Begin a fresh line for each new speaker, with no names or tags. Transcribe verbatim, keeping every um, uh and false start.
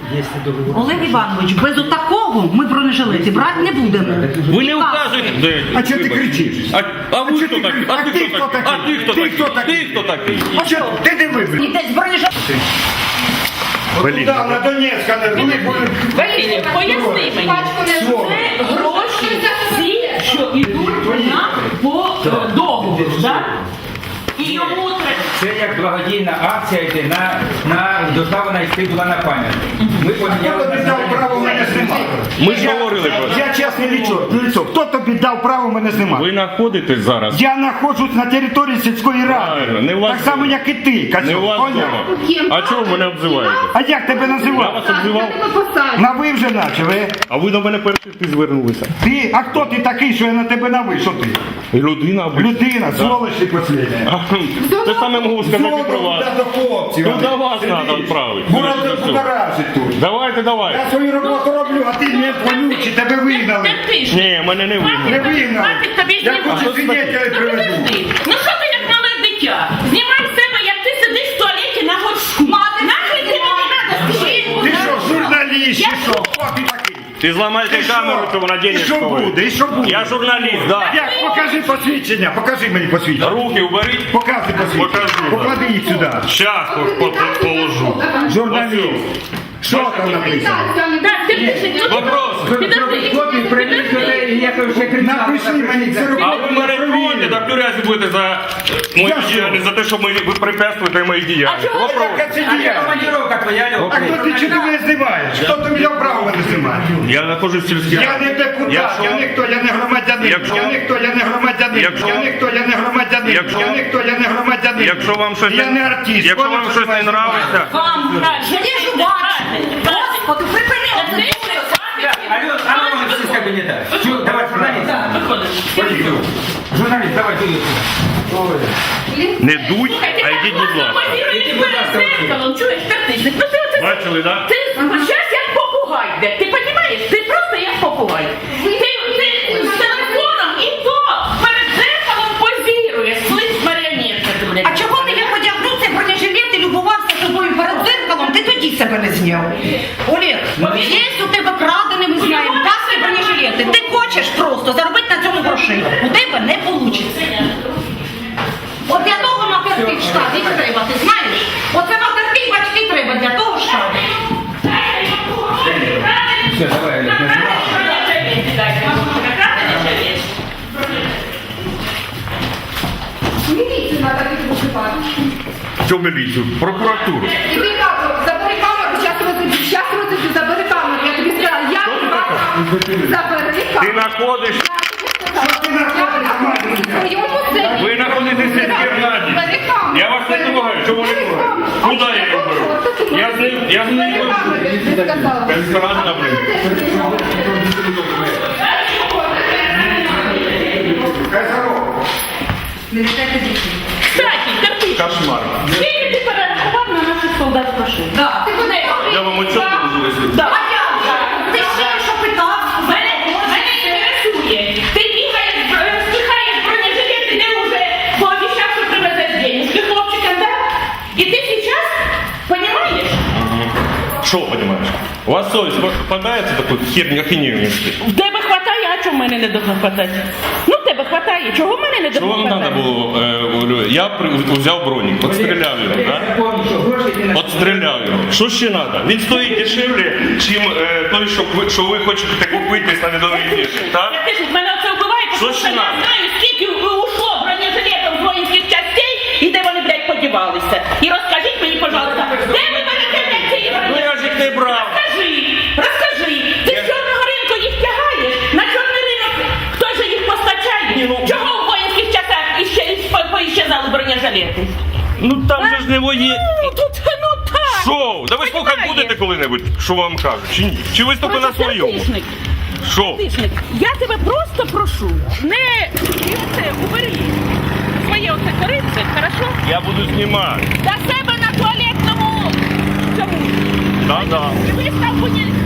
Олег Іванович, без отакого ми бронежилети брати не будемо.
Ви не вказуєте.
А чого ти кричиш?
А, а ви
чого
хто
ти
такий?
кричиш?
А ти хто такий? А ти хто
Ти хто
такий?
такий?
Ти хто такий?
А що? Ти не вибір.
Йдесь бронежилети.
Блін.
Да, на Донецька не були.
Поясни мені, це гроші ці, що йдуть нам по е, договору, так? І йому треба...
Це як благодійна акція йде на, на доставлена йти була на пам'ять. Ми
Хто
поміняли
тобі
на
дав право мене знімати?
Ми ж говорили про це.
Я чесне лицо. Хто тобі дав право мене знімати?
Ви знаходитесь зараз.
Я знаходжусь на території сільської
Правильно,
ради.
не у вас
Так само,
вдома.
як і ти, Кацьок.
Не у вас
Поняв?
вдома. А чого ви мене обзиваєте?
А як тебе
Я
називав?
вас обзивав?
На ви вже почали.
А ви до мене перший ти звернулися.
Ти, а хто ти такий, що я на тебе на ви? Що ти?
Людина або...
Людина, сволочь ти последня.
Те саме можу сказати про вас.
до хлопців.
Ну до вас треба відправити.
Будоражить тут.
Давайте, давайте.
Я свою роботу роблю, а ти не вонючий, тебе вигнали.
Ні, мене не
Не
вигнали.
вигнали.
Хватить тобі
Я
знімати.
хочу свидетелей
Ну
приведу.
підожди. Ну що ти як мале дитя? Знімай з себе, як ти сидиш в туалеті на горшку. Нахай тобі не треба, скажи.
Ти що, журналіст, чи що? Хто ти такий?
Ти зламаєте
І що?
камеру, то вона
І
денег
що
стоїть.
буде? І що буде?
Я журналіст, так.
Як? Покажи посвідчення, покажи мені посвідчення.
Руки уберіть.
Покажи посвідчення.
Покажу, да.
Поклади їх сюди.
Щас по- по- положу.
Журналіст. Що там написано?
Так, ти пиши.
Вопрос.
Підожди.
Хлопці, прийдіть людей, як ви вже кричали.
Напиши мені це руки.
А ви мене троните, так в тюрязі будете за мою
За що?
діяльність, за те, що ми, ви препятствуєте моїй діяльності.
А чого?
Вопрос.
Яка це
А де
діяльність?
командировка твоя, Льох?
А хто ти чого мене знімаєш? Хто тобі дав право мене знімати?
Я знаходжусь в сільській
Я
раді.
не депутат,
Якщо-
я ніхто, я не громадянин.
Якщо-
Я ніхто, я не громадянин.
Якщо-
Я ніхто, я не громадянин.
Якщо-
Я ніхто, я не громадянин.
Якщо вам щось
Я не артист.
якщо
Понял,
вам
що
щось не
я
нравиться,
Вам краще.
Я ж бачу. Господи, припини одне.
Алло, а ну може всі з кабінета. Чу, давай, журналіст.
Виходиш.
Поїхали. Журналіст, давай, ти.
не дуй, а йдіть, будь ласка.
Позіруєш перед зеркалом, чуєш, тактичник. Ну ти оце...
Бачили, так?
Ти щас як попугай йде. Ти розумієш? Ти просто як попугай. Ти, ти з телефоном і то перед зеркалом позіруєш. Слизь маріонетка ти, блядь.
А чого ти як одягнув цей бронежилет і любувався тобою перед зеркалом, ти тоді себе не зняв? Олег, є у тебе крадене, ми знаємо, каски бронежилети. Ти хочеш просто заробити на цьому грошей. У тебе не вийде. От для того матерки в штаті треба, ти знаєш? Оце матерки батьки треба для того штату.
Все, давай, Олег, не знімай.
Міліцію треба підготувати.
Що міліцію? Прокуратуру.
Іди камеру, забери камеру, зараз розіб'ю, зараз розіб'ю, забери камеру. Я тобі сказала, я тебе забери
Ти
камеру.
знаходиш,
Ви
ви знаходитесь в сільській раді. Я вас не трогаю, чого ви не трогаєте? Куди я його беру? Я з ним, я з ним не беру. Безпорадна, блин.
Кстати, Карпич,
Кошмар.
скільки ти перерахував на наших солдат грошей?
Да.
Ти куди?
Я вам отчет буду висити.
Да.
А я вже. Ти ще що питав?
Мене, мене інтересує. Ти бігаєш, е, спихаєш бронежилет, і ти вже пообіцяв, що привезеш денежки хлопчикам, да? І ти зараз, понімаєш?
Що, понимаешь? У вас совість попадається таку херню, ахінею нести?
В тебе хватає, а чого в мене не должно хватати? Ну, в тебе хватає, чого в мене не
Що
должно
вам треба
хватати?
було? е, говорю, Я при- взяв бронік, отстріляв його,
Я
так?
запомню, що гроші ти на...
Отстріляв його. Що ще треба? Він стоїть дешевле, чим е, той, що ви, що ви хочете купити на відомій біржі, так?
Я теж, мене це вбиває,
Що
тому що
ще
я
надо?
знаю, скільки ушло бронежилетів з воїнських частей і де вони, блядь, подівалися. І розкажіть мені, пожалуйста, де ви берете блядь, ці
Ну
бронежилети?
я ж їх не брав.
Розкажи, розкажи, ти з чорного ринку їх тягаєш? На чорний ринок хто ж їх постачає?
Ні, ну-
Чого в воїнських частях іще, по- поіщезали бронежилети?
Ну там же ж не воє.
Ну, тут, ну так.
Що? Да ви слухати
Понімаєш?
будете коли-небудь, що вам кажуть, чи ні? Чи ви тільки на своєму?
Тишник,
Що?
тишник, я тебе просто прошу, не і оце, убери своє оце корице, хорошо?
Я буду знімати.
До себе на туалетному цьому.
Да-да.
І вистав мені